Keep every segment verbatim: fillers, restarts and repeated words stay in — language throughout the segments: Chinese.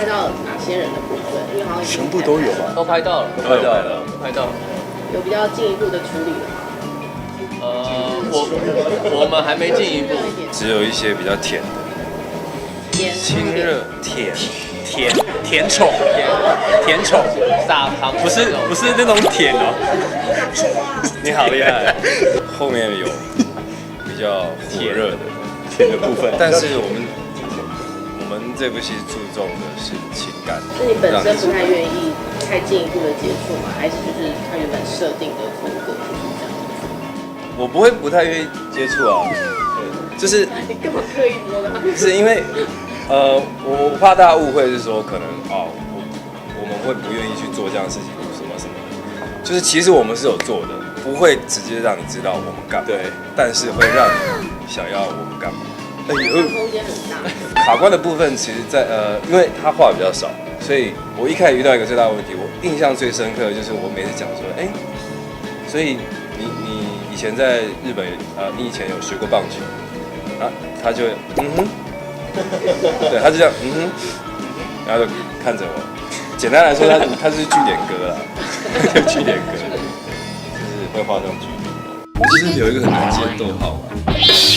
到哪些人的部分？因为好像已经全部都有吧？ 都拍到了， 都拍到了， 都拍到了。 有比较进一步的处理了吗？ 呃，我我们还没进一步， 只有一些比较甜的， 甜亲热甜甜甜宠，甜宠， 撒糖不是不是那种甜哦。你好厉害， 后面有比较火热的甜的部分。 但是我们我们这部戏注重的是情感。 是你本身不太愿意太进一步的接触吗？还是就是他原本设定的风格就是这样？ 我不会不太愿意接触啊，就是你干嘛刻意说的？ 是因为呃，我我怕大家误会是说可能哦，我我们会不愿意去做这样的事情，什么什么的，就是其实我们是有做的，不会直接让你知道我们干嘛， 对， 但是会让你想要我们干嘛。哎呦， 空间很大。 卡关的部分其实在呃，因为他话比较少，所以我一开始遇到一个最大的问题，我印象最深刻的就是我每次讲说，哎、所以你你以前在日本呃，你以前有学过棒球啊？他就会嗯哼，对，他就这样嗯哼，然后就看着我。简单来说，他他是句点歌啦，就句点歌，就是会画上句点。就是有一个很难接的逗号嘛。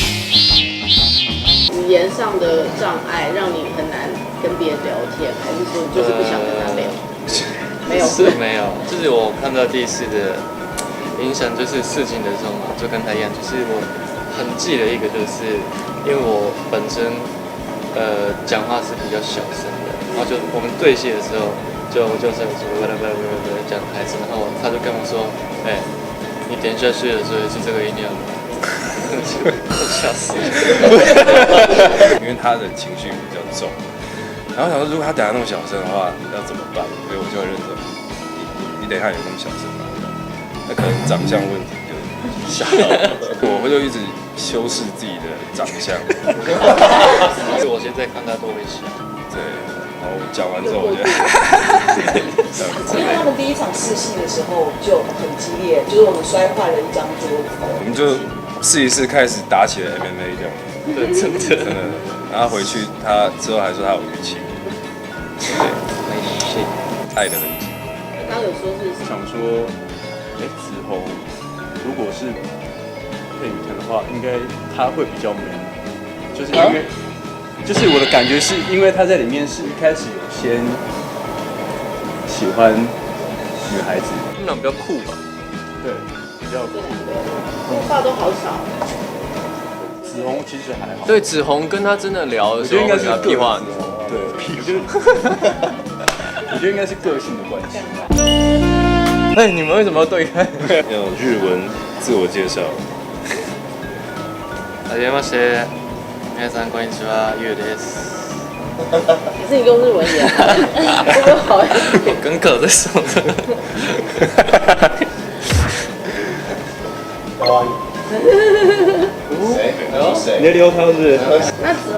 语言上的障碍让你很难跟别人聊天，还是说你就是不想跟他聊？没有， 是没有，就是我看到第一次的影响，就是试镜的时候嘛，就跟他一样，就是我很记得一个，就是因为我本身呃讲话是比较小声的，然后就我们对戏的时候，就就是不啦不啦不啦不啦讲台词，然后他就跟我说，哎、你点下去的时候是这个音量吗？吓死！ 因为他的情绪比较重，然后想说，如果他等下那么小声的话，要怎么办？所以我就会认真，你你等一下有那么小声吗？那可能长相问题就吓到我，我就一直修饰自己的长相。 所以我现在看他都会笑。 对，然后讲完之后，我就， 因为他们第一场试戏的时候就很激烈，就是我们摔坏了一张桌子。 我们就试一试，开始打起了 M M A 这样。 对，真的真的。然后回去他之后还说他有淤青，对， 没戏。 爱的痕迹。 刚刚有说是想说，哎、子红如果是配雨藤的话，应该他会比较 man，就是因为，就是我的感觉是因为他在里面是一开始有先喜欢女孩子， 他们俩比较酷吧？ 对，比较这两个说话都好少。 子红其实还好， 对，子红跟他真的聊的时候， 我觉得应该是他屁话很多。 对，我觉得，我觉得应该是个性的关系。 哎，你们为什么要对看？ 要日文自我介绍。 はじめまして、皆さんこんにちは、ゆうです。 可是你用日文演，会不会好一点？ 跟可在说的。 谁？谁？ 你在撩他是不是？ 那子